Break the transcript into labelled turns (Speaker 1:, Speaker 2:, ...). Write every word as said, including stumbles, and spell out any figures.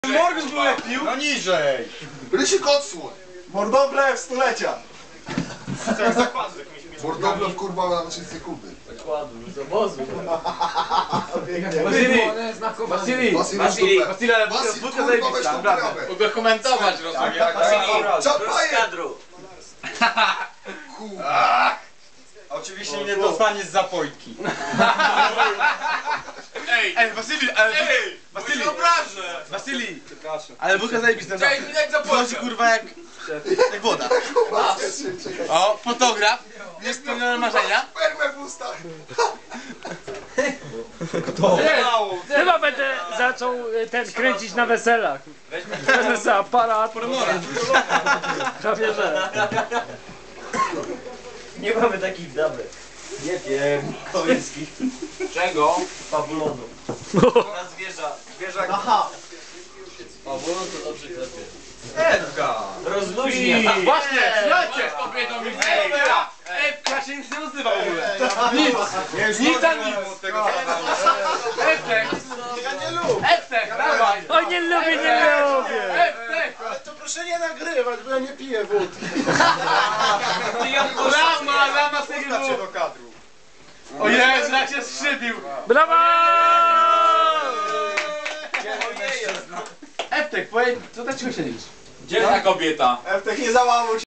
Speaker 1: Morgus był jak pił?
Speaker 2: No niżej!
Speaker 3: Rysik odsłoń!
Speaker 1: Mordoble w stulecia!
Speaker 3: Mordoble kurwa na trzy sekundy.
Speaker 4: Zakładu, z obozu.
Speaker 1: Wasili!
Speaker 3: Wasili,
Speaker 1: Wasili! Wasili, ale
Speaker 3: Wasil,
Speaker 1: wódka
Speaker 3: kurwa,
Speaker 1: zajebista,
Speaker 3: weź tą
Speaker 1: naprawdę.
Speaker 3: trawę.
Speaker 2: Mogę komentować, rozumiem.
Speaker 3: Czapaję!
Speaker 2: Oczywiście nie dostaniesz zapojki.
Speaker 1: Ej, ej, Wasili, ale... Ej, Wasili!
Speaker 2: obrażę!
Speaker 1: Wasili!
Speaker 4: Przepraszam.
Speaker 1: Ale wódka zajebista,
Speaker 2: Cześć,
Speaker 1: naprawdę.
Speaker 2: jak zapłacę?
Speaker 1: Wchodzi kurwa jak... jak woda. O, fotograf, niespełnione marzenia.
Speaker 3: Perłę w ustach!
Speaker 5: Chyba będę zaczął y, ten kręcić na weselach. Wezmę sobie aparat. Prawie że.
Speaker 4: Nie mamy takich damek. Nie wiem, końskich.
Speaker 2: Czego?
Speaker 4: Pawulonu. Na zwierza. Zwierzak. Aha. Pawulon to dobrze klepie.
Speaker 2: Edgar!
Speaker 4: Rozluźnia.
Speaker 1: Właśnie, słuchajcie!
Speaker 2: Kobietą mi
Speaker 1: Ej, ej, ja się nic nie nazywa w ogóle. Nic, nic za nic. Eftek,
Speaker 3: Ja nie lubię!
Speaker 1: eftek, dawaj.
Speaker 5: Oj, nie lubię, nie lubię.
Speaker 1: Eftek.
Speaker 3: Ale to proszę nie nagrywać, bo ja nie piję wódki.
Speaker 1: Lama, lama sobie
Speaker 2: do kadru.
Speaker 1: O Jezu, jak się skrzypił.
Speaker 5: Brawo!
Speaker 1: Eftek, powiedz, co tak cicho siedzisz?
Speaker 2: Gdzie ta kobieta?
Speaker 3: Eftek nie załamuj